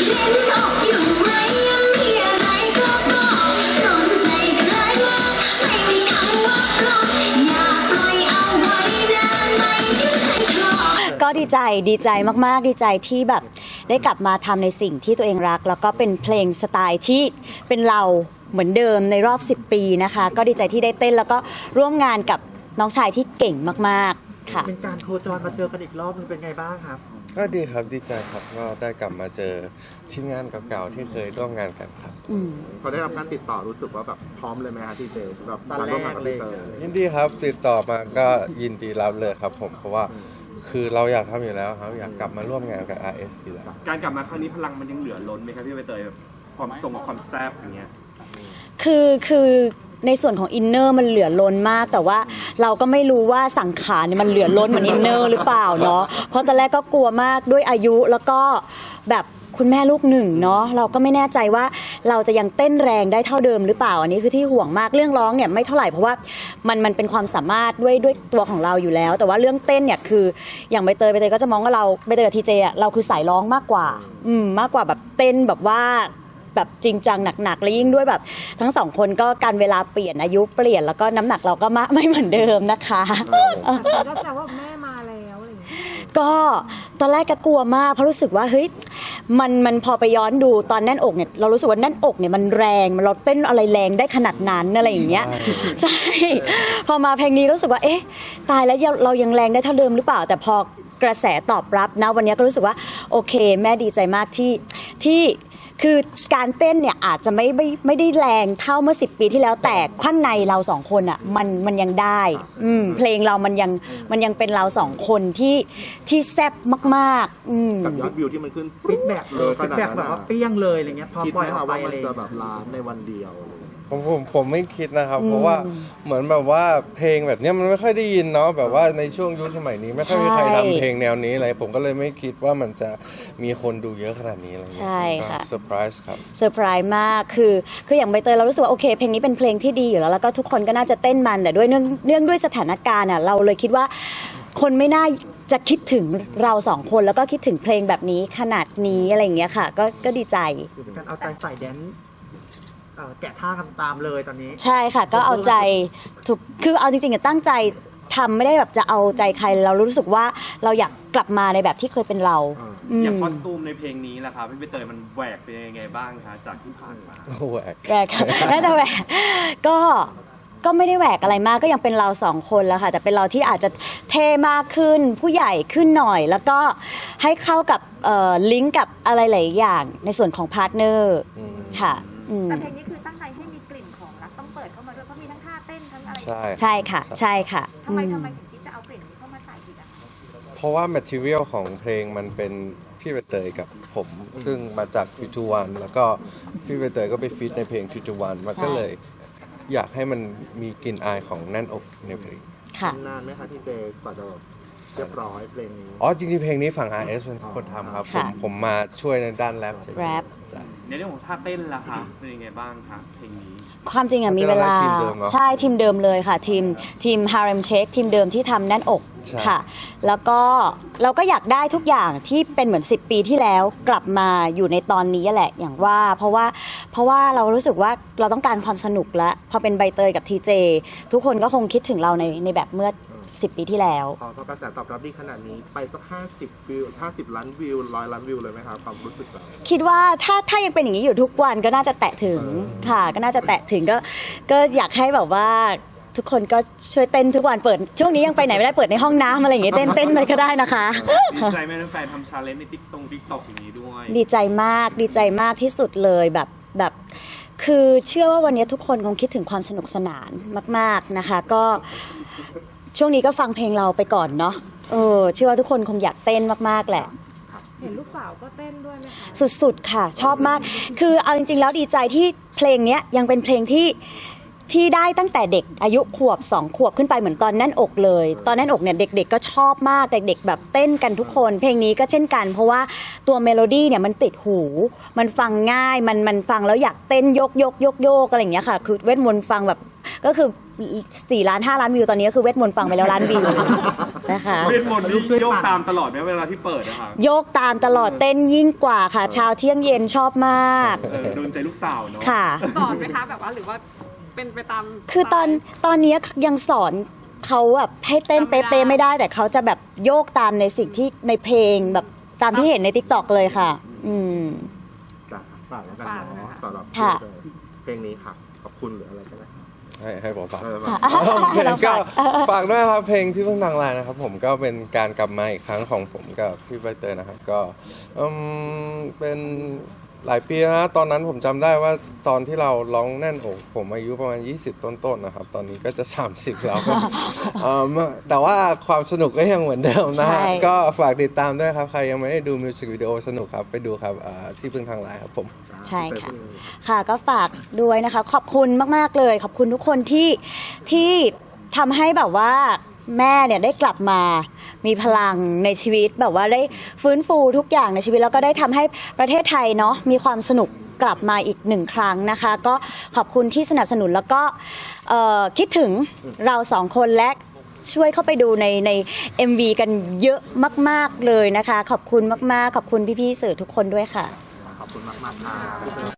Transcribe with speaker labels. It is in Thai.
Speaker 1: ก็ดีใจมากๆดีใจที่แบบได้กลับมาทำในสิ่งที่ตัวเองรักแล้วก็เป็นเพลงสไตล์ที่เป็นเราเหมือนเดิมในรอบ10 ปีนะคะก็ดีใจที่ได้เต้นแล้วก็ร่วมงานกับน้องชายที่เก่งมากๆค่ะ
Speaker 2: เป็นการโคจรมาเจอกันอีกรอบนึงเป็นไงบ้างครับ
Speaker 3: ก็ดีครับดีใจครับก็ได้กลับมาเจอทีมงานเก่าๆที่เคยร่วมงานกันครับ
Speaker 4: พอได้รับการติดต่อรู้สึกว่าแบบพร้อมเลยไหมฮะที่เจสำหรับการร่วมงานกับพี่เตย
Speaker 3: ยินดีครับติดต่อมาก็ยินดีรับเลยครับผมเพราะว่าคือเราอยากทำอยู่แล้วครับอยากกลับมาร่วมงานกับ RS อยู่แล้ว
Speaker 5: การกลับมาครั้งนี้พลังมันยังเหลือล้นไหมครับพี่ใบเตยความทรงกับความแซ่บอย่างเงี้ย
Speaker 1: คือในส่วนของอินเนอร์มันเหลือล้นมากแต่ว่าเราก็ไม่รู้ว่าสังขารเนี่ยมันเหลือล้นเหมือนอินเนอร์หรือเปล่าเนาะเพราะตอนแรกก็กลัวมากด้วยอายุแล้วก็แบบคุณแม่ลูกหนึ่งเนาะเราก็ไม่แน่ใจว่าเราจะยังเต้นแรงได้เท่าเดิมหรือเปล่าอันนี้คือที่ห่วงมากเรื่องร้องเนี่ยไม่เท่าไหร่เพราะว่ามันเป็นความสามารถด้วยตัวของเราอยู่แล้วแต่ว่าเรื่องเต้นเนี่ยคืออย่างใบเตยก็จะมองว่าเราใบเตยกับทีเจอ่ะเราคือสายร้องมากกว่ามากกว่าแบบเต้นแบบว่าแบบจริงจังหนักๆและยิ่งด้วยแบบทั้งสองคนก็การเวลาเปลี่ยนอายุเปลี่ยนแล้วก็น้ำหนักเราก็ไม่เหมือนเดิมนะคะ
Speaker 6: ก็แปลว่าแม่มาแล้วอะไรอย่างเงี้ย
Speaker 1: ก็ตอนแรกก็กลัวมากเพราะรู้สึกว่าเฮ้ยมันพอไปย้อนดูตอนแน่นอกเนี่ยเรารู้สึกว่าแน่นอกเนี่ยมันแรงเราเต้นอะไรแรงได้ขนาดนั้นอะไรอย่างเงี้ยใช่พอมาเพลงนี้รู้สึกว่าเอ๊ะตายแล้วเรายังแรงได้เท่าเดิมหรือเปล่าแต่พอกระแสตอบรับนะวันนี้ก็รู้สึกว่าโอเคแม่ดีใจมากที่คือการเต้นเนี่ยอาจจะไม่ได้แรงเท่าเมื่อ10 ปีที่แล้วแต่ข้างในเราสองคนอ่ะมันยังได้เพลงเรามันยังเป็นเราสองคนที่แซ่บมาก
Speaker 4: กับยอดวิวที่มันขึ้น
Speaker 2: ฟีดแบ็กเลยฟีดแบ็กแบบว่าเปี้ยงเลยอะไรเงี้ยพอปล่อยออกไป
Speaker 4: มัน
Speaker 2: อะไร
Speaker 4: จะแบบล้านในวันเดียว
Speaker 3: ผมไม่คิดนะครับเพราะว่าเหมือนแบบว่าเพลงแบบนี้มันไม่ค่อยได้ยินเนาะแบบว่าในช่วงยุคสมัยนี้ไม่ค่อยมีใครทำเพลงแนวนี้อะไรผมก็เลยไม่คิดว่ามันจะมีคนดูเยอะขนาดนี้อะไรเงี้ย
Speaker 1: ใช่ค่ะ
Speaker 3: เซอร์ไพรส์ครับ
Speaker 1: เซอร์ไพรส์มากคืออย่างใบเตยเรารู้สึกว่าโอเคเพลงนี้เป็นเพลงที่ดีอยู่แล้วก็ทุกคนก็น่าจะเต้นมันแต่ด้วยเนื่องด้วยสถานการณ์อ่ะเราเลยคิดว่าคนไม่น่าจะคิดถึงเราสองคนแล้วก็คิดถึงเพลงแบบนี้ขนาดนี้อะไรอย่างเงี้ยค่ะก็ดีใจ
Speaker 2: การเอาใจใส่แดนแกะท่ากันตามเลยตอนนี้
Speaker 1: ใช่ค่ะก็เอาใจถูกคือเอาจริงๆตั้งใจทำไม่ได้แบบจะเอาใจใครเรารู้สึกว่าเราอยากกลับมาในแบบที่เคยเป็นเรา
Speaker 5: อย่างคอสตูมในเพลงนี้ล่ะครับพี่ใบเตยมันแหวกเป็นยังไงบ้างคะจากที่ผ่านมา
Speaker 3: แหว
Speaker 1: กค่ะน่าจะแหวกก็ไม่ได้แหวกอะไรมากก็ยังเป็นเราสองคนแล้วค่ะแต่เป็นเราที่อาจจะเท่มากขึ้นผู้ใหญ่ขึ้นหน่อยแล้วก็ให้เข้ากับลิงก์กับอะไรหลายอย่างในส่วนของพาร์ทเนอร์ค่ะ
Speaker 6: แต่เพลงนี้คือตั้งใจให้มีกลิ่นของรักต้องเปิดเข้ามาด้วยเพราะมีทั้งท่าเต้นทั้งอะไร
Speaker 1: ใช่ค่ะใช่ค่ะ
Speaker 6: ทำไมถึงคิดจะเอากลิ่นนี้เข้ามาใส่อีกอ่ะ
Speaker 3: เพราะว่าแมททีเรียลของเพลงมันเป็นพี่ใบเตยกับผมซึ่งมาจากฟิทูวันแล้วก็พี่ใบเตยก็ไปฟีดในเพลงฟิทูวันมันก็เลยอยากให้มันมีกลิ่นอายของแน่นอกในเพลง
Speaker 1: ค่ะ
Speaker 4: นานไหมคะที่เจกว่าจะเรียบร้อยเพลงนี้
Speaker 3: จริงๆเพลงนี้ฝั่ง RS เป็นคนทำครับผมมาช่วยในด้านแรป
Speaker 5: ในเรื่องของท่าเต้นล่ะคะเป็นยังไงบ้างคะเพลงนี้
Speaker 1: ความจริงมีเวลาใช่ทีมเดิมเลยค่ะทีม Harem Shake ทีมเดิมที่ทำแน่นอกค่ะแล้วก็เราก็อยากได้ทุกอย่างที่เป็นเหมือน10 ปีที่แล้วกลับมาอยู่ในตอนนี้แหละอย่างว่าเพราะว่าเรารู้สึกว่าเราต้องการความสนุกแล้วพอเป็นใบเตยกับทีเจทุกคนก็คงคิดถึงเราในแบบเมื่อ10 ปีที่แล้ว
Speaker 4: พอกระแสตอบรับดีขนาดนี้ไปสัก50 วิว50 ล้านวิว100 ล้านวิวเลยไหมครับความรู้สึกเรา
Speaker 1: คิดว่าถ้ายังเป็นอย่างนี้อยู่ทุกวันก็น่าจะแตะถึงค่ะก็น่าจะแตะถึงก็อยากให้แบบว่าทุกคนก็ช่วยเต้นทุกวันเปิดช่วงนี้ยังไปไหนไม่ได้เปิดในห้องน้ำอะไรอย่างเงี้ยเต้นมันก็ได้นะคะ
Speaker 5: ดีใจไหมแฟนทำชาเลนจ์ในติ๊กต็อกอย่างนี้ด้วย
Speaker 1: ดีใจมากที่สุดเลยแบบคือเชื่อว่าวันนี้ทุกคนคงคิดถึงความสนุกสนานมากๆนะคะก็ช่วงนี้ก็ฟังเพลงเราไปก่อนเนาะเชื่อว่าทุกคนคงอยากเต้นมากๆแหละ
Speaker 6: เห็นลูกสาวก็เต้นด้วยไหมคะ
Speaker 1: สุดๆค่ะชอบมากคือเอาจริงๆแล้วดีใจที่เพลงนี้ยังเป็นเพลงที่ที่ได้ตั้งแต่เด็กอายุขวบ2 ขวบขึ้นไปเหมือนตอนแน่นอกเลย ตอนแน่นอกเนี่ยเด็กๆก็ชอบมากเด็กๆแบบเต้นกันทุกคนเพลงนี้ก็เช่นกันเพราะว่าตัวเมโลดี้เนี่ยมันติดหูมันฟังง่ายมันฟังแล้วอยากเต้นโยกอะไรอย่างเงี้ยค่ะคือเวทมนต์ฟังแบบก็คือ4 ล้าน 5 ล้านวิวตอนนี้ก็คือเวทมนต์ฟังไปแล้วล้านวิวนะคะ
Speaker 5: เวทมนต์นี่โยกตามตลอดไหมเวลาที่เปิดนะครับ
Speaker 1: โยกตามตลอดเต้นยิ่งกว่าค่ะเช้าเที่ยงเย็นชอบมาก
Speaker 5: โดนใจลูกสาวเนาะ
Speaker 1: ค่ะ
Speaker 7: สอนไหมคะแบบว่าหรือว่าเป็นไปตาม
Speaker 1: คือตอนนี้ยังสอนเขาแบบให้เต้นเป๊ะๆไม่ได้แต่เขาจะแบบโยกตามในสิ่งที่ในเพลงแบบตามที่เห็นใน TikTok เลยค่ะ
Speaker 4: จ้ะฝากแล้วกันเนาะสำหรับ
Speaker 1: ค่ะ
Speaker 4: เพลงนี้ค่ะขอบคุณหรืออะไรก็ได้
Speaker 3: ให้ผมฝาก
Speaker 1: เรา
Speaker 3: ก็
Speaker 1: ฝาก
Speaker 3: ฝากด้วยครับเพลงที่เพิ่งดังไลน์นะครับผมก็เป็นการกลับมาอีกครั้งของผมกับพี่ใบเตยนะครับก็เป็นหลายปีนะตอนนั้นผมจำได้ว่าตอนที่เราร้องแน่นอกผมอายุประมาณ20ต้นๆนะครับตอนนี้ก็จะ30แล้วครับแต่ว่าความสนุกก็ยังเหมือนเดิมนะฮะ
Speaker 1: ใช่
Speaker 3: ก็ฝากติดตามด้วยครับใครยังไม่ได้ดูมิวสิกวิดีโอสนุกครับไปดูครับที่เพิ่งทางไลน์ครับผม
Speaker 1: ใช่ค่ะ ค่ะก็ฝากด้วยนะคะ ขอบคุณมากๆเลย ขอบคุณทุกคนที่ทำให้แบบว่าแม่เนี่ยได้กลับมามีพลังในชีวิตแบบว่าได้ฟื้นฟูทุกอย่างในชีวิตแล้วก็ได้ทำให้ประเทศไทยเนาะมีความสนุกกลับมาอีก1 ครั้งนะคะ ก็ขอบคุณที่สนับสนุนแล้วก็คิดถึงเรา2 คนและช่วยเข้าไปดูใน MV กันเยอะมากๆเลยนะคะ ขอบคุณมากๆขอบคุณพี่ๆสื่อทุกคนด้วยค่ะ
Speaker 2: ขอบคุณมากๆค่ะ